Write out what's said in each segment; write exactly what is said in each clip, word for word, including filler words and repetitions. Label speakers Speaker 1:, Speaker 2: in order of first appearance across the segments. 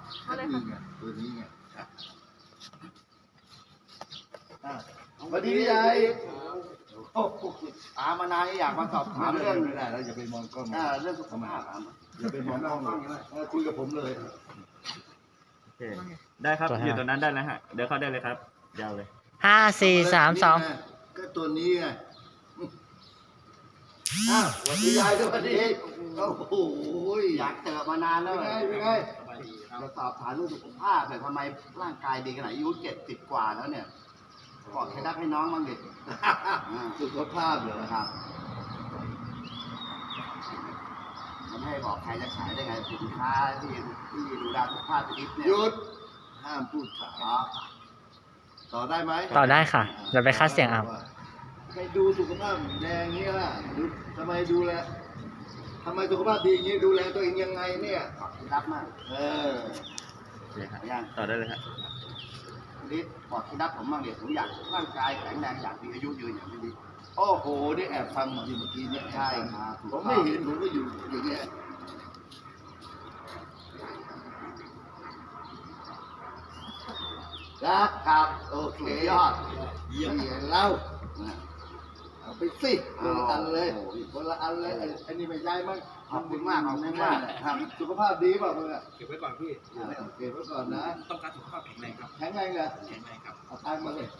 Speaker 1: เอาเลยค่ะ
Speaker 2: ตัวนี้ไงสวัสดียายโอ้โห
Speaker 3: ตามมานานอยากมาสอบถามเรื่อง
Speaker 2: ไม่ได้แล้วอย่าไปมองกล้อง
Speaker 3: อ่าเรื่องสุขภาพอ่ะ
Speaker 2: อย่าไปมองกล้องเลยคุยกับผมเลย
Speaker 4: โอเคได้ครับอยู่ตรงนั้นได้แล้วฮะเดี๋ยวเข้าได้เลยครับยาวเลย
Speaker 5: ห้าสี่สามสอง
Speaker 2: ก็ตัวนี้ไงอ้าวสวัสดียายสวัสดีโอ้โห
Speaker 3: อยากเจอมานานแล้ว
Speaker 2: เป็นไงเป็นไง
Speaker 3: จะสอบถามเรื่องสุขภาพแต่ทำไมร่างกายดีขนาดอายุเจ็ดสิบกว่าแล้วเนี่ยกอดเคล็ดลับให้น้องบ้างดิ
Speaker 2: สุขภาพเหรอ
Speaker 3: นะครับมันไม่ให้บอกใครจะขายได้ไงสินค้าที่ที่ดูแลสุขภาพชีวิตเนี่ย
Speaker 2: หยุดห้ามพูดขาย
Speaker 3: อ๋อ
Speaker 2: ต่อได้ไหม
Speaker 5: ต่อได้ค่ะเดี๋ยวไปคัดเสียงเอา
Speaker 2: ไปดูสุขภาพแดงอย่างนี้ล่ะดูทำไมดูแลทำไมสุขภาพดีอย่างนี้ดูแลตัวเองยังไงเนี่ย
Speaker 3: กอดเคล็ดลับมาก
Speaker 2: เออ
Speaker 4: โอเคครับ
Speaker 3: ยัง
Speaker 4: ต่อได้เลยฮะ
Speaker 3: ลิศบอกเคล็ดลับผมบ้างเดี๋ยวผมอยากร่างกายแข็งแรงอยากมีอายุยืนอย่างพี่ลิศ
Speaker 2: โอ้โหนี่แอบฟังมาอยู่เมื่อกี้เนี่ย
Speaker 3: ใช่ครับ
Speaker 2: ผมไม่เห็นผมก็อยู่อย่างเงี้ยครับครับโอเค
Speaker 3: สุดยอด
Speaker 2: เยี่ยมเล่าเอาไปสิคนละอันเลยคนละอันเลยไอ้ไอ้นี่ไม่ย้ายมั้ง
Speaker 3: ขอบคุณมากขอบคุณมากครับ
Speaker 2: สุขภาพดีเปล่ามึงอ่ะ
Speaker 6: เก็บไว้ก่อนพี่
Speaker 2: เก็บไว้ก่อนนะ
Speaker 6: ต้องการสุขภาพแข็งแรงครับ
Speaker 2: แข็งแรงเหรอ
Speaker 6: แข็งแรงครับ
Speaker 2: เอาตังค์มาเลย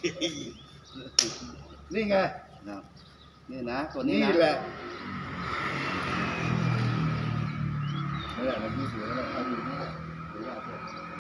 Speaker 2: นี่ไง
Speaker 3: นี่นะตัวนี้
Speaker 2: นี่
Speaker 3: นะ
Speaker 2: แหละนี่แหละมันมีเสือแล้วเอาอยู่นี่แหละ